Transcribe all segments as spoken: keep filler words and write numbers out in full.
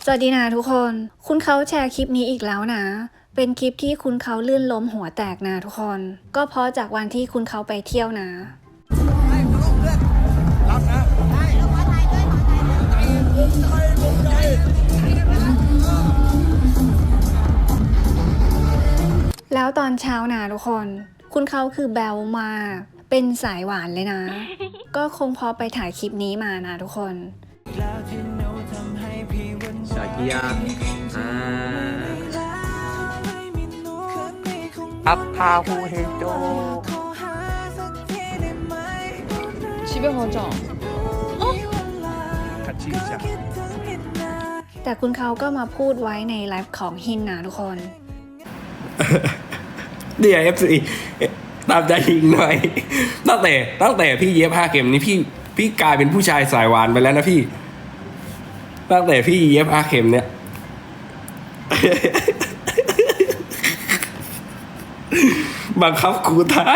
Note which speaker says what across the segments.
Speaker 1: สวัสดีนะทุกคน คุณเขาแชร์คลิปนี้อีกแล้วนะ เป็นคลิปที่คุณเขาลื่นล้มหัวแตกนะทุกคน ก็เพราะจากวันที่คุณเขาไปเที่ยวนะ แล้วตอนเช้านะทุกคน คุณเขาคือแบลมาก เป็นสายหวานเลยนะ ก็คงพอไปถ่ายคลิปนี้มานะทุกคน
Speaker 2: ชาเกียอ่าอัพพาฮูเฮโจ
Speaker 3: 집에 가자.
Speaker 2: 같이 있자
Speaker 1: แต่คุณเขาก็มาพูดไว้ในไลฟ์ของฮินนะทุกคน
Speaker 4: เดี๋ยว เอฟ ซี ตามใจยิงหน่อย ตั้งแต่ตั้งแต่พี่เย็บห้าเข็มนี้พี่พี่กลายเป็นผู้ชายสายหวานไปแล้วนะพี่ ตั้งแต่พี่เย็บห้าเข็มเนี่ย บังคับครูตาย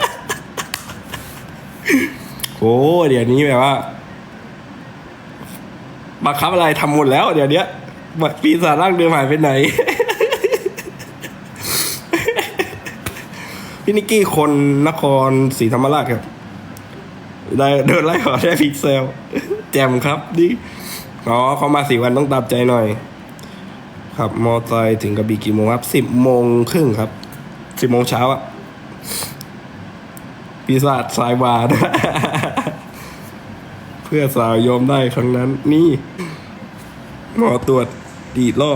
Speaker 4: โอ้เดี๋ยวนี้แบบว่าบังคับอะไรทำหมดแล้ว เดี๋ยวนี้ปีศาจร่างเดิมหายไปไหน พี่นิกกี้คนนครศรีธรรมราชครับได้เดินไล่ขอได้พิกเซล แจมครับดิอ๋อเขามาสี่วันต้องตามใจหน่อย ครับมอไซค์ถึงกระบี่กี่โมงครับสิบโมงครึ่งครับสิบโมงเช้าอะปีศาจสายวาน เพื่อสาวยอมได้ครั้งนั้น นี่หมอตรวจอีกรอบ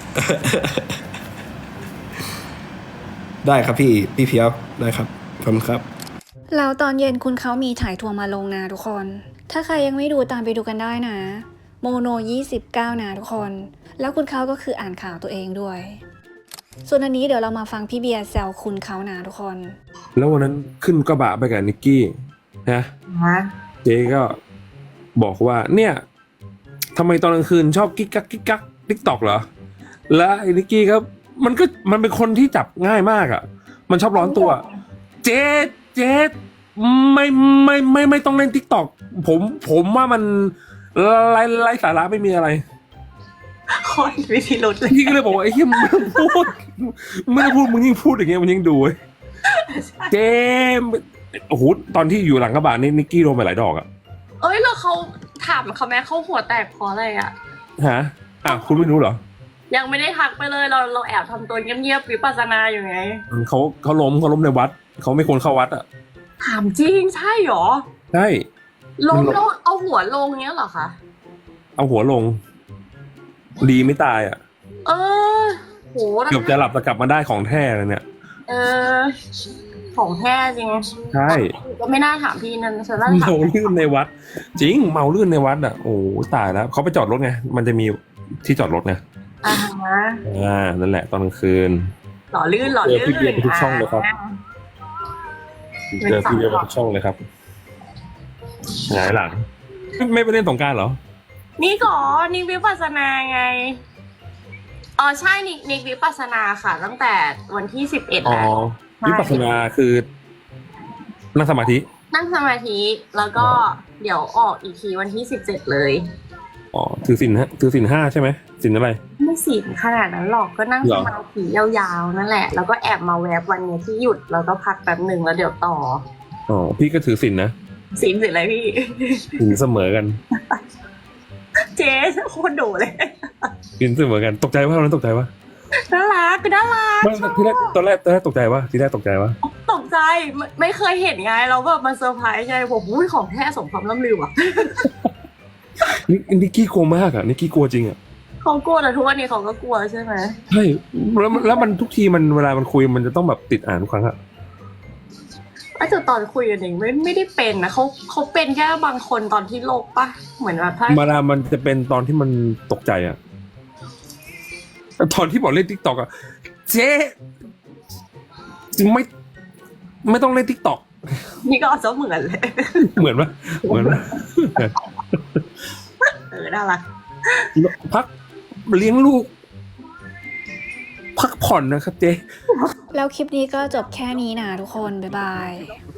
Speaker 4: ได้ครับพี่พี่เพียวได้ครับขอบคุณครับ
Speaker 1: แล้วตอนเย็นคุณเขามีถ่ายทัวร์มาลงนะทุกคน ถ้าใครยังไม่ดูตามไปดูกันได้นะ โมโนยี่สิบเก้านะทุกคน แล้วคุณเขาก็คืออ่านข่าวตัวเองด้วย ส่วนอันนี้เดี๋ยวเรามาฟังพี่เบียร์แซวคุณเขานะทุกคน
Speaker 5: แล้ววันนั้นขึ้นกระบะไปกับนิกกี้นะเจ๊ก็บอกว่าเนี่ยทำไมตอนกลางคืนชอบกิ๊กกักกิ๊กกักติ๊กตอกเหรอแล้วไอ้นิกกี้ครับมันก็มันเป็นคนที่จับง่ายมากอ่ะมันชอบร้อนตัว เจ๊เจ๊ไม่ไม่ไม่ไม่ต้องเล่นติ๊กตอกผมผมว่ามันไร้ไร้สาระไม่มีอะไร
Speaker 3: คนวิธีรุดเลย
Speaker 5: พี่ก็เลยบอกว่าไอ้เหี้ยมึงไม่ต้องพูดไม่ได้พูดมึงยิ่งพูดอย่างเงี้ยมันยิ่งดูเว้ยเจ๊โอ้โหตอนที่อยู่หลังกระบะนี่นิกกี้โดนไปหลายดอกอ่ะ
Speaker 3: เอ้ยแล้วเขาถามเขาแม่เขาหัวแตกเพราะอะไรอ่ะ
Speaker 5: ฮะอ่ะคุณไม่รู้เหรอ
Speaker 3: ยังไม่ได้ทักไปเลยเราเราแอบทำตัวเงียบๆวิปัสสนาอยู่ไง
Speaker 5: เขาเขาล้มเขาล้มในวัดเขาไม่ควรเข้าวัดอ่ะ
Speaker 3: ถามจริงใช่หรอ
Speaker 5: ใช่
Speaker 3: ลงแล้วเอาหัวลงเงี้ยเหรอคะ
Speaker 5: เอาหัวลง ดีไม่ตายอ่ะ
Speaker 3: เออโห
Speaker 5: เกือบจะหลับแต่กลับมาได้ของแท้เลยเนี่ย
Speaker 3: เออของแท้จริง
Speaker 5: ใช่
Speaker 3: ก็ไม่น่าถามพี่นั่นฉันน่าถาม
Speaker 5: เมาลื่นในวัด จริงเมาลื่นในวัดอ่ะโอ้ตายแล้วเขาไปจอดรถไงมันจะมีที่จอดรถไง
Speaker 3: อ่าฮะ
Speaker 5: อ่านั่นแหละตอนกลางคืน
Speaker 3: หล่อลื่นหล่อ
Speaker 5: เจอ
Speaker 3: ลื่น
Speaker 5: พี่เบียร์ไปทุกช่องเลยครับเจอพี่เบียร์ไปทุกช่องเลยครับหงายหลังไม่ไปเล่นสงกรานต์เหรอ
Speaker 3: นี่ก่อนนี่วิปัสสนาไงอ๋อใช่นิกนิกวิปัสสนาค่ะ ตั้งแต่วันที่สิบเอ็ด
Speaker 5: อ๋อ
Speaker 3: แล้ว
Speaker 5: วิปัสสนาคือนั่งสมาธิ
Speaker 3: นั่งสมาธิแล้วก็เดี๋ยวออกอีกทีวันที่สิบเจ็ดเลย
Speaker 5: อ๋อถือศีลฮะถือศีลห้าใช่ไหมศีลอะไร
Speaker 3: ไม่สิขนาดนั้นหรอกก็นั่ง
Speaker 5: เหร
Speaker 3: ส
Speaker 5: อ
Speaker 3: มาธิยาวๆนั่นแหละ แล้วก็แอบมาแวบวันเนี้ยที่หยุดแล้วก็พักแป๊บหนึ่งแล้วเดี๋ยวต่อ
Speaker 5: อ๋อพี่ก็ถือศีลนะ
Speaker 3: สินสิอะไรพี่
Speaker 5: ศีลเสมอกัน
Speaker 3: เจ๊โคตรดุเลย
Speaker 5: ศีลเสมอกันตกใจว่าตอนนั้นตกใจว่า
Speaker 3: น่ารักก็น่ารัก
Speaker 5: ไม่ที่แรกตอนแรกตอนแรกตกใจว่าที่แรกตกใจว่า
Speaker 3: ตกใจไม่ไม่เคยเห็นไงเราแบบมาเซอร์ไพรส์ไงผมอุ้ยของแท้สมความล่ำลือว่ะ
Speaker 5: นี่นิกกี้กลัวมากอ่ะนิกกี้กลัวจริงอ่ะ
Speaker 3: เขากลัวแต่ทุกวันนี้เขาก็กลัวใช่ไหม
Speaker 5: ใช่แล้วมันแล้วมันทุกทีมันเวลามันคุยมันจะต้องแบบติดอ่านทุกครั้งอะ
Speaker 3: ไอ้แต่ตอนคุยกันเองไม่ไม่ได้เป็นนะเขาเขาเป็นแค่บางคนตอนที่โลกปะเหมือนแบบถ้า
Speaker 5: มาดามันจะเป็นตอนที่มันตกใจอ่ะแต่ตอนที่บอกเล่นทิกตอกอ่ะเจ๊ไม่ไม่ต้องเล่นทิกตอก
Speaker 3: นี่ก็เอาซะเหมือนเลย
Speaker 5: เหมือนปะเหมือนปะ
Speaker 3: เออน่ารัก
Speaker 5: พักเลี้ยงลูก พักผ่อนนะครับเจ๊
Speaker 1: แล้วคลิปนี้ก็จบแค่นี้นะทุกคน บ๊ายบาย